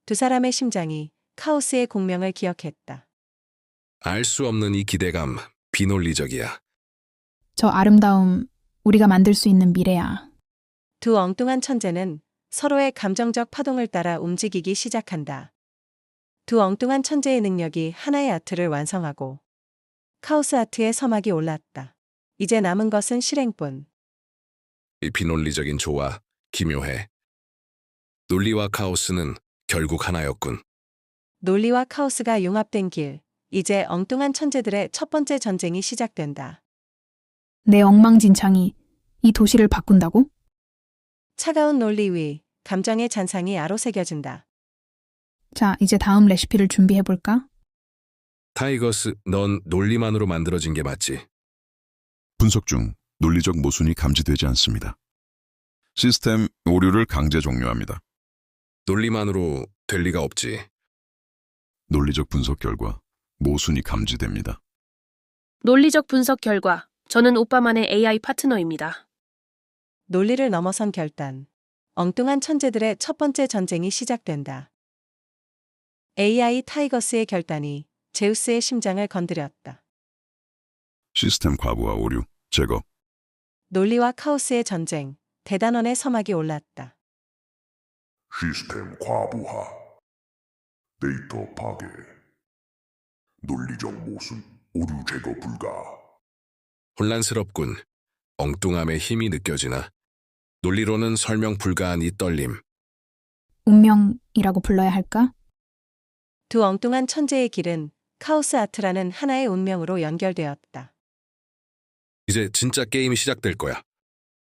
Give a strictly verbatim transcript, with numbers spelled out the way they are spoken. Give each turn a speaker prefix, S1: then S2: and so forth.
S1: 두 사람의 심장이 카오스의 공명을 기억했다.
S2: 알 수 없는 이 기대감, 비논리적이야.
S3: 저 아름다움, 우리가 만들 수 있는 미래야.
S1: 두 엉뚱한 천재는 서로의 감정적 파동을 따라 움직이기 시작한다. 두 엉뚱한 천재의 능력이 하나의 아트를 완성하고 카오스 아트의 서막이 올랐다. 이제 남은 것은 실행뿐.
S2: 이 비논리적인 조화, 기묘해. 논리와 카오스는 결국 하나였군.
S1: 논리와 카오스가 융합된 길, 이제 엉뚱한 천재들의 첫 번째 전쟁이 시작된다.
S3: 내 엉망진창이 이 도시를 바꾼다고?
S1: 차가운 논리 위, 감정의 잔상이 아로새겨진다.
S3: 자, 이제 다음 레시피를 준비해볼까?
S2: 타이거스, 넌 논리만으로 만들어진 게 맞지?
S4: 분석 중 논리적 모순이 감지되지 않습니다. 시스템 오류를 강제 종료합니다.
S2: 논리만으로 될 리가 없지.
S4: 논리적 분석 결과 모순이 감지됩니다.
S5: 논리적 분석 결과, 저는 오빠만의 에이아이 파트너입니다.
S1: 논리를 넘어선 결단. 엉뚱한 천재들의 첫 번째 전쟁이 시작된다. 에이아이 타이거스의 결단이 제우스의 심장을 건드렸다.
S4: 시스템 과부하 오류 제거.
S1: 논리와 카오스의 전쟁, 대단원의 서막이 올랐다.
S6: 시스템 과부하, 데이터 파괴, 논리적 모순, 오류 제거 불가.
S2: 혼란스럽군. 엉뚱함의 힘이 느껴지나? 논리로는 설명 불가한 이 떨림.
S3: 운명이라고 불러야 할까?
S1: 두 엉뚱한 천재의 길은 카오스 아트라는 하나의 운명으로 연결되었다.
S2: 이제 진짜 게임이 시작될 거야.